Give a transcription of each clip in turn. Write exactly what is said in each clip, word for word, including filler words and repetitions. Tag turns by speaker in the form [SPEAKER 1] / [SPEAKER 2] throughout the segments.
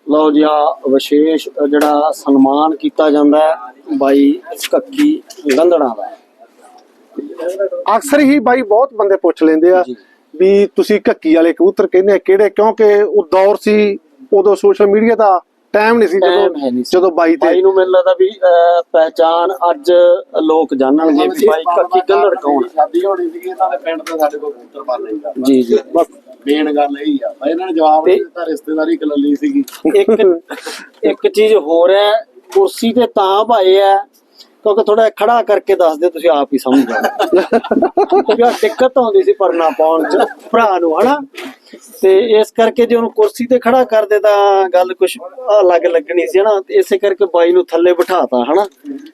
[SPEAKER 1] ਲਓ ਜੀ ਆ ਵਿਸ਼ੇਸ਼ ਜਿਹੜਾ ਸਨਮਾਨ ਕੀਤਾ ਜਾਂਦਾ ਹੈ ਬਾਈ ਕੱਕੀ ਗੰਧੜਾ ਦਾ।
[SPEAKER 2] ਅਕਸਰ ਹੀ ਬਾਈ ਬਹੁਤ ਬੰਦੇ ਪੁੱਛ ਲੈਂਦੇ ਆ ਵੀ ਤੁਸੀਂ ਕੱਕੀ ਵਾਲੇ ਕਬੂਤਰ ਕਹਿੰਦੇ ਕਿਹੜੇ, ਕਿਉਂਕਿ ਉਹ ਦੌਰ ਸੀ ਉਦੋਂ ਸੋਸ਼ਲ ਮੀਡੀਆ ਦਾ ਟਾਈਮ ਨਹੀਂ ਸੀ ਜਦੋਂ ਜਦੋਂ ਬਾਈ ਤੇ
[SPEAKER 1] ਬਾਈ ਨੂੰ ਮੈਨੂੰ ਲੱਗਦਾ ਵੀ ਪਹਿਚਾਨ ਅੱਜ ਲੋਕ ਜਾਣਨਗੇ ਵੀ ਬਾਈ ਕੱਕੀ ਗੰਧੜ ਕੌਣ।
[SPEAKER 3] ਸ਼ਾਦੀ ਹੋਣੀ ਸੀ ਇਹਨਾਂ ਦੇ ਪਿੰਡ ਤੋਂ ਸਾਡੇ ਕੋਲ ਕਬੂਤਰ ਪਾਲਣੇ ਦਾ
[SPEAKER 1] ਜੀ ਜੀ
[SPEAKER 3] ਬਸ ਮੇਨ ਗੱਲ ਇਹੀ ਆ। ਇਹਨਾਂ ਨੇ ਜਵਾਬ ਨਹੀਂ ਦਿੱਤਾ, ਰਿਸ਼ਤੇਦਾਰੀ ਕਲੱਲੀ ਸੀਗੀ।
[SPEAKER 1] ਇੱਕ ਇੱਕ ਚੀਜ਼ ਹੋਰ ਹੈ, ਕੁਰਸੀ ਤੇ ਤਾਂ ਭਾਏ ਹੈ ਕਿਉਂਕਿ ਥੋੜਾ ਖੜਾ ਕਰਕੇ ਦੱਸ ਦਿਓ, ਤੁਸੀਂ ਆਪ ਹੀ ਸਮਝ ਜਾਓ ਕਿਉਂਕਿ ਦਿੱਕਤ ਆਉਂਦੀ ਸੀ ਪਰਨਾ ਪਾਉਣ ਚ ਭਰਾ ਨੂੰ ਹਨਾ, ਤੇ ਇਸ ਕਰਕੇ ਜੇ ਉਹਨੂੰ ਕੁਰਸੀ ਤੇ ਖੜਾ ਕਰਦੇ ਤਾਂ ਗੱਲ ਕੁਛ ਅਲੱਗ ਲੱਗਣੀ ਸੀ ਹਨਾ, ਇਸੇ ਕਰਕੇ ਬਾਈ ਨੂੰ ਥੱਲੇ ਬਿਠਾਤਾ ਹਨਾ।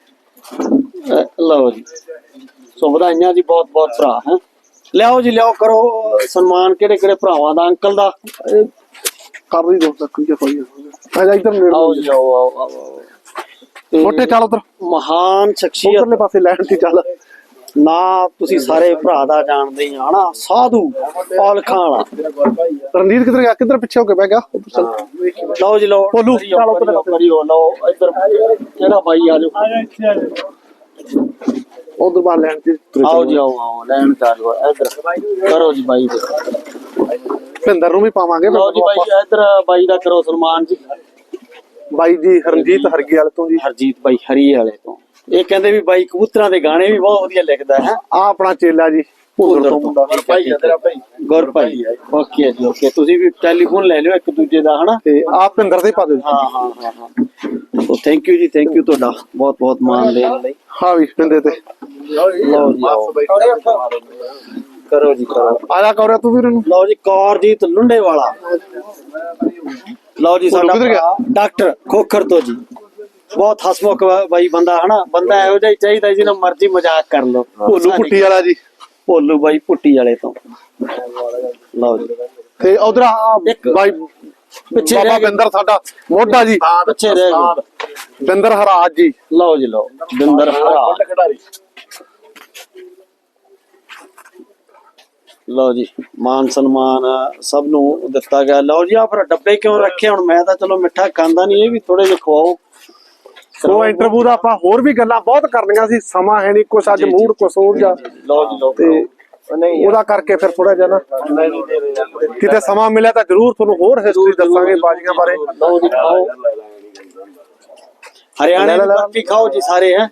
[SPEAKER 1] ਲਓ ਜੀ, ਸੋ ਵਧਾਈਆਂ ਜੀ ਬਹੁਤ ਬਹੁਤ ਭਰਾ ਹੈ। ਲਿਆਓ ਜੀ ਲਿਆਓ, ਕਰੋ ਸਨਮਾਨ ਕਿਹੜੇ ਕਿਹੜੇ ਭਰਾਵਾਂ ਦਾ, ਅੰਕਲ ਦਾ
[SPEAKER 2] ਕਰ ਹੀ ਦੋ ਤੱਕ ਕੀ ਹੋਈ ਆ ਇਧਰ ਨੇੜੇ
[SPEAKER 1] ਆਓ ਜੀ ਆਓ ਆਓ ਆਓ।
[SPEAKER 2] ਛੋਟੇ ਚੱਲ ਉਧਰ
[SPEAKER 1] ਮਹਾਨ ਸ਼ਖਸੀਅਤ
[SPEAKER 2] ਉਧਰਲੇ ਪਾਸੇ ਲੈਣ ਤੇ ਚੱਲ
[SPEAKER 1] ਨਾ, ਤੁਸੀਂ ਸਾਰੇ ਭਰਾ ਦਾ ਜਾਣਦੇ ਹੀ ਆ ਹਨਾ, ਸਾਧੂ ਔਲਖਾਂ ਵਾਲਾ।
[SPEAKER 2] ਰਣਜੀਤ ਕਿੱਧਰ ਗਿਆ, ਕਿੱਧਰ ਪਿੱਛੇ ਹੋ ਕੇ ਬਹਿ ਗਿਆ ਉਧਰ ਚੱਲ।
[SPEAKER 1] ਲਓ ਜੀ ਲਓ
[SPEAKER 2] ਭੋਲੂ,
[SPEAKER 1] ਚਲੋ ਕਰਿਓ, ਲਓ ਇੱਧਰ ਕਿਹੜਾ ਬਾਈ ਆ ਜਾਓ,
[SPEAKER 2] ਉਧਰ ਬਾਹਰ ਲੈਣ ਤੇ
[SPEAKER 1] ਆਓ ਜੀ ਆਓ ਆਓ ਲੈਣ ਚਾਲੂ ਇੱਧਰ ਕਰੋ ਜੀ ਬਾਈ ਦੇ।
[SPEAKER 2] ਭਿੰਦਰ ਨੂੰ ਵੀ ਪਾਵਾਂਗੇ।
[SPEAKER 1] ਲਓ ਜੀ ਬਾਈ ਇੱਧਰ ਬਾਈ ਦਾ ਕਰੋ ਸਨਮਾਨ ਜੀ।
[SPEAKER 2] ਬਾਈ ਜੀ ਹਰਜੀਤ ਹਰਗੀ ਵਾਲੇ ਤੋਂ ਜੀ,
[SPEAKER 1] ਹਰਜੀਤ ਬਾਈ ਹਰੀ ਵਾਲੇ ਤੋਂ। ਇਹ ਕਹਿੰਦੇ ਵੀ ਬਾਈ ਕਬੂਤਰਾਂ ਦੇ ਗਾਣੇ ਵੀ ਬਹੁਤ ਵਧੀਆ ਲਿਖਦਾ ਹੈ।
[SPEAKER 2] ਆ ਆਪਣਾ ਚੇਲਾ ਜੀ ਭੁੱਲਰ ਤੋਂ ਮੁੰਡਾ
[SPEAKER 1] ਭਾਈ ਗੁਰ ਭਾਈ। ਓਕੇ ਜੀ ਓਕੇ, ਤੁਸੀਂ ਵੀ ਟੈਲੀਫੋਨ ਲੈ ਲਿਓ ਇੱਕ ਦੂਜੇ ਦਾ ਹਨਾ,
[SPEAKER 2] ਤੇ ਆ ਭਿੰਦਰ ਦੇ ਪਾ ਦਿਓ।
[SPEAKER 1] ਹਾਂ ਹਾਂ ਹਾਂ ਹਾਂ ਸੋ ਥੈਂਕ ਯੂ ਜੀ, ਥੈਂਕ ਯੂ ਤੁਹਾਡਾ ਬਹੁਤ ਬਹੁਤ ਮਾਣ ਦੇਣ ਲਈ।
[SPEAKER 2] ਹਾਂ ਵੀ ਪਿੰਦੇ ਤੇ
[SPEAKER 1] ਲਓ ਜੀ ਆਓ ਕਰੋ ਜੀ ਕਰੋ,
[SPEAKER 2] ਆ ਜਾ ਕੌਰਿਆ ਤੂੰ ਵੀਰ ਨੂੰ।
[SPEAKER 1] ਲਓ ਜੀ ਕੌਰਜੀਤ ਲੁੰਡੇ ਵਾਲਾ। ਲਓ ਜੀ ਸਾਡਾ ਡਾਕਟਰ ਖੋਖਰ ਤੋਂ ਜੀ, ਬਹੁਤ ਹਸਮੁਖ ਬਾਈ ਬੰਦਾ ਹਨਾ, ਬੰਦਾ ਇਹੋ ਜਿਹਾ ਹੀ ਚਾਹੀਦਾ ਜਿਹਨਾਂ ਮਰਜ਼ੀ ਮਜ਼ਾਕ ਕਰ ਲਓ।
[SPEAKER 2] ਭੋਲੂ ਪੁੱਟੀ ਵਾਲਾ ਜੀ,
[SPEAKER 1] ਭੋਲੂ ਬਾਈ ਪੁੱਟੀ ਵਾਲੇ ਤੋਂ। ਲਓ ਜੀ
[SPEAKER 2] ਤੇ ਉਧਰ
[SPEAKER 1] ਇੱਕ
[SPEAKER 2] ਬਾਈ
[SPEAKER 1] ਪਿੱਛੇ
[SPEAKER 2] ਬਾਬਾ
[SPEAKER 1] ਰਹਿ
[SPEAKER 2] ਬਿੰਦਰ ਸਾਡਾ ਮੋਢਾ ਜੀ,
[SPEAKER 1] ਪਿੱਛੇ ਰਹਿ ਗਏ।
[SPEAKER 2] ਬਿੰਦਰ ਹਰਾਜ ਜੀ।
[SPEAKER 1] ਲਓ ਜੀ ਲਓ ਬਿੰਦਰ ਹਰਾ।
[SPEAKER 3] ਖਿਡਾਰੀ
[SPEAKER 1] ਲਓ ਜੀ ਮਾਨ ਸਨਮਾਨ ਸਭ ਨੂੰ ਦਿੱਤਾ ਗਿਆ। ਲਓ ਜੀ ਆ ਫਿਰ ਡੱਬੇ ਕਿਉਂ ਰੱਖੇ, ਹੁਣ ਮੈਂ ਤਾਂ ਚਲੋ ਮਿੱਠਾ ਖਾਂਦਾ ਨਹੀਂ, ਇਹ ਵੀ ਥੋੜੇ ਜਿਹੇ ਖਵਾਓ।
[SPEAKER 2] ਸੋ ਇੰਟਰਵਿਊ ਦਾ ਆਪਾਂ ਹੋਰ ਵੀ ਗੱਲਾਂ ਬਹੁਤ ਕਰਨੀਆਂ ਸੀ, ਸਮਾਂ ਹੈ ਨਹੀਂ, ਕੁਛ ਅੱਜ ਮੂਡ ਕੁਛ ਹੋਰ ਜਾ
[SPEAKER 1] ਲਓ ਜੀ ਲਓ
[SPEAKER 2] ਤੇ ਉਹਦਾ ਕਰਕੇ ਫਿਰ ਥੋੜਾ ਜਿਹਾ ਨਾ ਕਿਤੇ ਸਮਾਂ ਮਿਲਿਆ ਤਾਂ ਜ਼ਰੂਰ ਤੁਹਾਨੂੰ ਹੋਰ ਹਿਸਟਰੀ ਦੱਸਾਂਗੇ ਬਾਜੀਆਂ ਬਾਰੇ।
[SPEAKER 1] ਲਓ ਜੀ ਖਾਓ, ਹਰਿਆਣੇ ਦੀ ਬਰਫੀ ਖਾਓ ਜੀ ਸਾਰੇ ਹੈ।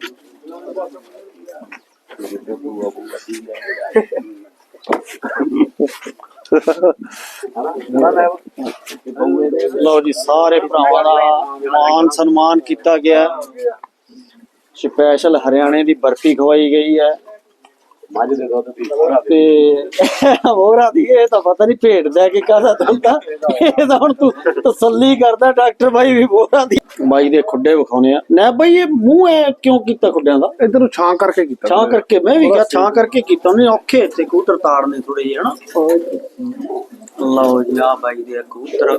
[SPEAKER 1] ਲਓ ਜੀ ਸਾਰੇ ਭਰਾਵਾਂ ਦਾ ਮਾਨ ਸਨਮਾਨ ਕੀਤਾ ਗਿਆ, ਸਪੈਸ਼ਲ ਹਰਿਆਣੇ ਦੀ ਬਰਫੀ ਖਵਾਈ ਗਈ ਹੈ।
[SPEAKER 3] ਮੱਝ ਦੇ ਦੁੱਧ ਦੀ
[SPEAKER 1] ਤੇ ਹੋਰਾਂ ਦੀ ਇਹ ਤਾਂ ਪਤਾ ਨਹੀਂ ਭੇਡ ਦੇ ਕੇ ਕਾਹਦਾ ਦਿੰਦਾ, ਇਹ ਤਾਂ ਹੁਣ ਤੂੰ ਤਸੱਲੀ ਕਰਦਾ। ਡਾਕਟਰ ਬਾਈ ਵੀ ਹੋਰਾਂ ਦੀ ਬਾਈ ਦੇ ਖੁੱਡੇ ਵਿਖਾਉਣੇ ਆ ਨਾ ਬਾਈ, ਇਹ ਮੂੰਹ ਐ ਕਿਉਂ ਕੀਤਾ ਖੁੱਡਿਆਂ ਦਾ?
[SPEAKER 2] ਇਧਰ ਨੂੰ ਛਾਂ ਕਰਕੇ ਕੀਤਾ,
[SPEAKER 1] ਛਾਂ ਕਰਕੇ ਮੈਂ ਵੀ ਕਿਹਾ ਛਾਂ ਕਰਕੇ ਕੀਤਾ ਉਹਨੇ, ਔਖੇ ਇੱਥੇ ਕਬੂਤਰ ਤਾੜਨੇ ਥੋੜੇ ਜਿਹੇ ਹਨਾ। ਲਓ ਜੀ ਆ ਬਾਈ ਦੇ ਕਬੂਤਰ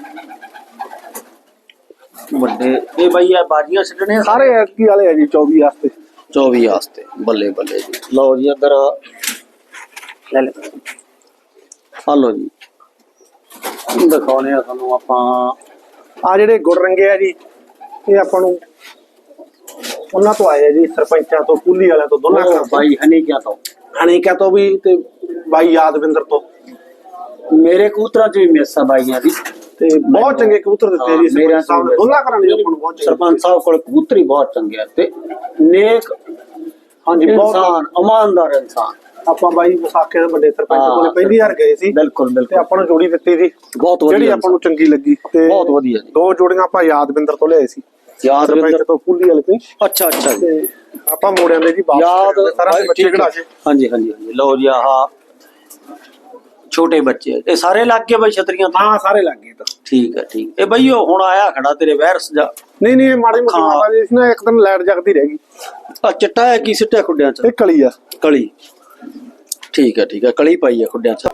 [SPEAKER 1] ਵੱਡੇ, ਇਹ ਬਾਈ ਆ ਬਾਜੀਆਂ ਛੱਡਣੇ
[SPEAKER 2] ਸਾਰੇ ਐਤਕੀ ਵਾਲੇ ਆ ਜੀ ਚੌਵੀ ਵਾਸਤੇ
[SPEAKER 1] ਚੌਵੀ ਵਾਸਤੇ। ਬੱਲੇ ਬੱਲੇ ਜੀ। ਲਓ ਜੀ ਇੱਧਰ ਲੈ ਲੈ ਆ ਲਓ ਜੀ ਦਿਖਾਉਣੇ ਆ ਤੁਹਾਨੂੰ ਆਪਾਂ।
[SPEAKER 2] ਆ ਜਿਹੜੇ ਗੁੜ ਰੰਗੇ ਆ ਜੀ, ਇਹ ਆਪਾਂ ਨੂੰ ਉਹਨਾਂ ਤੋਂ ਆਏ ਆ ਜੀ, ਸਰਪੰਚਾਂ ਤੋਂ, ਕੁੱਲੀ ਵਾਲਿਆਂ ਤੋਂ, ਦੋਨਾਂ ਤੋਂ।
[SPEAKER 1] ਬਾਈ ਹਨੀਕਿਆ ਤੋਂ,
[SPEAKER 2] ਹਣੀਕਿਆ ਤੋਂ ਵੀ ਤੇ ਬਾਈ ਯਾਦਵਿੰਦਰ ਤੋਂ।
[SPEAKER 1] ਮੇਰੇ ਕਬੂਤਰਾਂ ਚ ਵੀ ਮਿਸ ਆ ਬਾਈਆਂ ਦੀ,
[SPEAKER 2] ਤੇ ਬਹੁਤ ਚੰਗੇ ਕਬੂਤਰ ਦਿੱਤੇ ਜੀ ਸਰਪੰਚ ਸਾਹਿਬ ਨੇ, ਦੋਨਾਂ ਘਰਾਂ ਨੇ ਆਪਾਂ ਨੂੰ ਬਹੁਤ ਚੰਗੇ।
[SPEAKER 1] ਸਰਪੰਚ ਸਾਹਿਬ ਕੋਲ ਕਬੂਤਰੀ ਬਹੁਤ ਚੰਗੇ ਤੇ ਨੇਕ,
[SPEAKER 2] ਹਾਂਜੀ ਬਹੁਤ
[SPEAKER 1] ਇਨਸਾਨ, ਇਮਾਨਦਾਰ ਇਨਸਾਨ।
[SPEAKER 2] ਆਪਾਂ ਬਾਈ ਵਿਸਾਖੇ ਦੇ ਵੱਡੇ ਸਰਪੰਚ ਕੋਲੇ ਪਹਿਲੀ ਵਾਰ ਗਏ ਸੀ,
[SPEAKER 1] ਬਿਲਕੁਲ
[SPEAKER 2] ਤੇ
[SPEAKER 1] ਬਿਲਕੁਲ
[SPEAKER 2] ਆਪਾਂ ਨੂੰ ਜੋੜੀ ਦਿੱਤੀ ਸੀ
[SPEAKER 1] ਬਹੁਤ ਵਧੀਆ,
[SPEAKER 2] ਜਿਹੜੀ ਆਪਾਂ ਨੂੰ ਚੰਗੀ ਲੱਗੀ। ਤੇ
[SPEAKER 1] ਬਹੁਤ ਵਧੀਆ ਜੀ।
[SPEAKER 2] ਦੋ ਜੋੜੀਆਂ ਆਪਾਂ ਯਾਦਵਿੰਦਰ ਤੋਂ ਲਿਆਏ ਸੀ,
[SPEAKER 1] ਯਾਦਵਿੰਦਰ
[SPEAKER 2] ਤੋਂ, ਕੁੱਲੀ ਵਾਲੇ ਤੋਂ।
[SPEAKER 1] ਅੱਛਾ ਅੱਛਾ ਜੀ।
[SPEAKER 2] ਤੇ ਆਪਾਂ ਮੋੜਿਆਂ ਦੇ ਜੀ
[SPEAKER 1] ਯਾਦ
[SPEAKER 2] ਸਾਰਾ ਬੱਚੇ ਖੜਾ ਕੇ।
[SPEAKER 1] ਹਾਂਜੀ ਹਾਂਜੀ ਹਾਂਜੀ। ਲਓ ਜੀ ਆਹ ਛੋਟੇ ਬੱਚੇ ਇਹ ਸਾਰੇ ਲੱਗ ਗਏ ਬਾਈ ਛਤਰੀਆਂ ਤੋਂ?
[SPEAKER 2] ਹਾਂ ਸਾਰੇ ਲੱਗ ਗਏ ਤਾਂ।
[SPEAKER 1] ਠੀਕ ਹੈ ਠੀਕ। ਇਹ ਬਈ ਉਹ ਹੁਣ ਆਇਆ ਖੜਾ ਤੇਰੇ ਵਾਇਰਸ ਜਾ?
[SPEAKER 2] ਨਹੀਂ ਨਹੀਂ, ਇਹ ਮਾੜੀ ਮੋਟੀ ਮਾਤਾ ਜੀ ਨਾ, ਇੱਕ ਦਿਨ ਲਾਈਟ ਜਗਦੀ ਰਹਿ ਗਈ।
[SPEAKER 1] ਆ ਚਿੱਟਾ ਹੈ ਕੀ ਸਿੱਟਿਆ ਖੁੱਡਿਆਂ ਚ?
[SPEAKER 2] ਇਹ ਕਲੀ ਆ।
[SPEAKER 1] ਕਲੀ, ਠੀਕ ਹੈ ਠੀਕ ਹੈ, ਕਲੀ ਪਾਈ ਹੈ ਖੁੱਡਿਆਂ ਚ।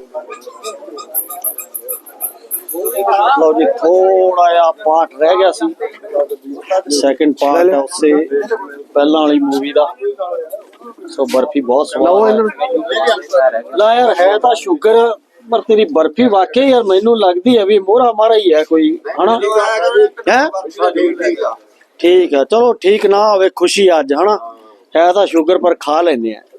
[SPEAKER 1] ਲਓ ਜੀ ਥੋੜਾ ਜਿਹਾ ਪਾਰਟ ਰਹਿ ਗਿਆ ਸੀ, ਸੈਕਿੰਡ ਪਾਰਟ ਹੈ ਉਸੇ ਪਹਿਲਾਂ ਵਾਲੀ ਮੂਵੀ ਦਾ। ਸੋ ਬਰਫੀ ਬਹੁਤ ਸਵਾਦ ਹੈ। ਲਾ ਯਾਰ ਹੈ ਤਾਂ ਸ਼ੂਗਰ ਪਰ ਤੇਰੀ ਬਰਫੀ ਵਾਕਈ ਯਾਰ ਮੈਨੂੰ ਲੱਗਦੀ ਹੈ ਵੀ ਮੋਹਰਾ ਮਾਰਾ ਹੀ ਹੈ ਕੋਈ ਹਨਾ ਹੈ ਠੀਕ ਆ ਚਲੋ ਠੀਕ ਨਾ ਹੋਵੇ ਖੁਸ਼ੀ ਅੱਜ ਹਨਾ ਹੈ ਤਾਂ ਸ਼ੂਗਰ ਪਰ ਖਾ ਲੈਂਦੇ ਆ